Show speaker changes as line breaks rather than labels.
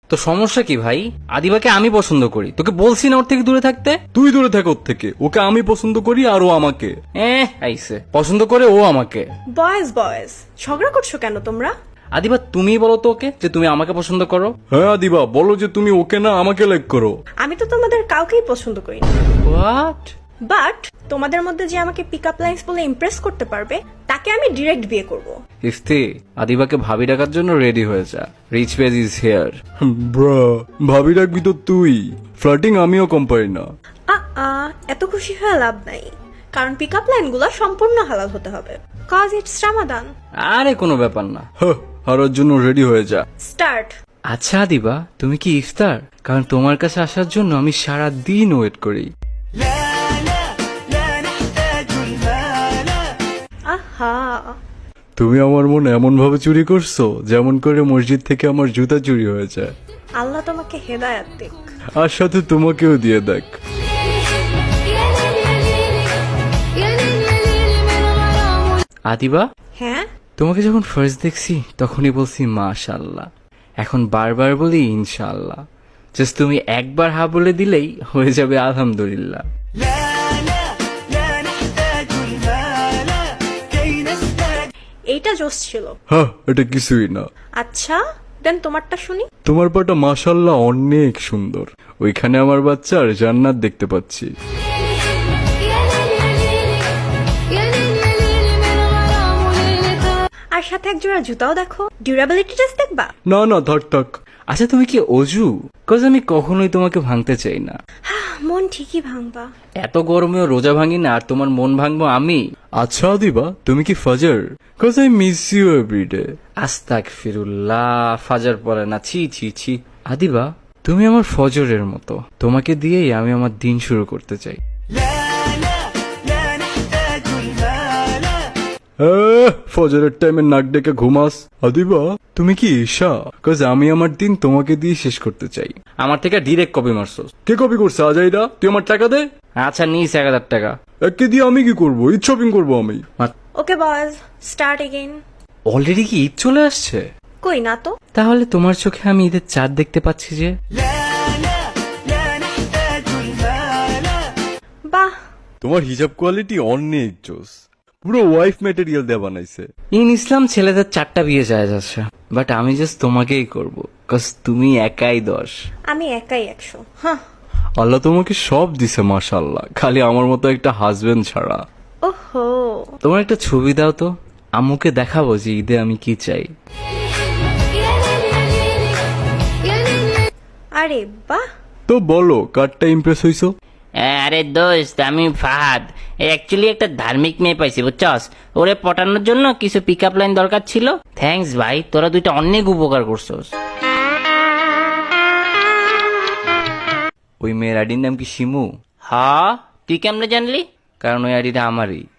তো সমস্যা কি ভাই? আদিবাকে আমি পছন্দ করি, তোকে বলছি না ওর থেকে দূরে থাকতে?
তুই দূরে থাক ওর থেকে, ওকে আমি পছন্দ করি আর ও আমাকে।
আইসে পছন্দ করে ও আমাকে।
বয়েজ বয়েজ ঝগড়া করছো কেন তোমরা?
আদিবা তুমি বলো তো ওকে যে তুমি আমাকে পছন্দ করো।
হ্যাঁ দিবা, বলো যে তুমি ওকে না আমাকে লাইক করো।
আমি তো তোমাদের কাউকেই পছন্দ করি না,
হোয়াট?
বাট তোমাদের মধ্যে যে আমাকে পিক আপ লাইন্স বলে ইমপ্রেস করতে পারবে তাকে আমি ডিরেক্ট বিয়ে করব।
ইফতি, আদিবাকে ভাবি ডাকার জন্য রেডি হয়ে যা। Rich page is here.
ব্রা, ভাবি রাখবি তো তুই, ফ্লার্টিং আমিও কম পারি না।
এত খুশি হয়ে লাভ নাই, কারণ পিক আপ লাইনগুলো সম্পূর্ণ হালাল হতে হবে, কজ ইটস রামাদান।
আরে কোনো ব্যাপার না।
হারার জন্য রেডি হয়ে যা।
স্টার্ট।
আচ্ছা আদিবা, তুমি কি ইফতার? কারণ তোমার কাছে আসার জন্য আমি সারা দিন ওয়েট করি।
আহা,
তুমি আমার মন এমন ভাবে চুরি করছো যেমন করে মসজিদ থেকে আমার জুতা চুরি হয়ে যায়।
আল্লাহ তোমাকে হেদায়াত দিক।
আর সাথে তোমাকেও দিয়ে দেখ।
আদিবা,
হ্যাঁ,
তোমাকে যখন ফার্স্ট দেখছি তখনই বলছি মাশাআল্লাহ, এখন বারবার বলি ইনশাআল্লাহ। জাস্ট তুমি একবার হা বলে দিলেই হয়ে যাবে আলহামদুলিল্লাহ।
এইটা জোস ছিল।
হ্যাঁ, এটা কিছুই না।
আচ্ছা দেন তোমারটা শুনি।
তোমার পাটা মাশাল্লাহ অনেক সুন্দর, ওইখানে আমার বাচ্চার জান্নাত দেখতে পাচ্ছি।
আর সাথে এক জোড়া জুতাও দেখো, ডিউরাবিলিটি টেস্ট দেখবা?
না না, থাক থাক।
আচ্ছা তুমি কি অজু? কজ আমি কখনোই তোমাকে ভাঙতে চাই না।
মন ঠিকই ভাঙবা।
এত গরমেও রোজা ভাঙি না, আর তোমার মন ভাঙবো আমি?
আচ্ছা দিবা, তুমি কি ফাজার? Cause I miss you every day.
আস্তাগফিরুল্লাহ, ফাজার পড়ে না, ছি ছি ছি। আদিবা, তুমি আমার ফজরের মতো, তোমাকে দিয়েই আমি আমার দিন শুরু করতে চাই।
ফজরের টাইমে নাক ডেকে ঘুমাস। আদিবা, তুমি কি ঈশা? কজ আমি আমার দিন তোমাকে দিয়ে শেষ করতে চাই।
আমার থেকে ডিরেক্ট কপি মারছস।
কে কপি করছে আজাইরা? তুই আমার টাকা দে।
আচ্ছা নিস 1000 টাকা।
একে দিয়ে আমি কি করবো? ঈদ শপিং করবো আমি।
Okay boys, start again.
Already কি ঈদ চলে আসছে?
কই না তো।
তাহলে তোমার চোখে আমি ঈদের চাঁদ দেখতে পাচ্ছি যে।
বাহ,
তোমার হিজাব কোয়ালিটি অনেক জোস, পুরো ওয়াইফ ম্যাটেরিয়াল দিয়ে বানাইছে।
ইন ইসলাম ছেলেদের 4টা বিয়ে যায় যাচ্ছে, বাট আমি জাস্ট তোমাকেই করব, কজ তুমি একাই 10।
আমি একাই 100। হ্যাঁ।
আল্লাহ তোমাকে সব দিছে মাশাআল্লাহ, খালি আমার মতো একটা হাজবেন্ড ছাড়া।
ওহো,
তোমার একটা ছবি দাও তো, আম্মুকে দেখাবো যে ঈদে আমি কি চাই।
আরে বাহ।
তো বলো, কারটা ইমপ্রেস হইছো?
আরে দোস্ত, আমি ফাহাদ। অ্যাকচুয়ালি একটা ধার্মিক মেয়ে পাইছি বুঝছস, ওরে পটানোর জন্য কিছু পিক আপ লাইন দরকার ছিল। থ্যাঙ্কস ভাই, তোরা দুইটা অনেক উপকার করছস।
ওই মেয়ের আইডির নাম কি শিমু?
হ, তুই কেমনে জানলি?
কারণ ওই আইডিটা আমারই।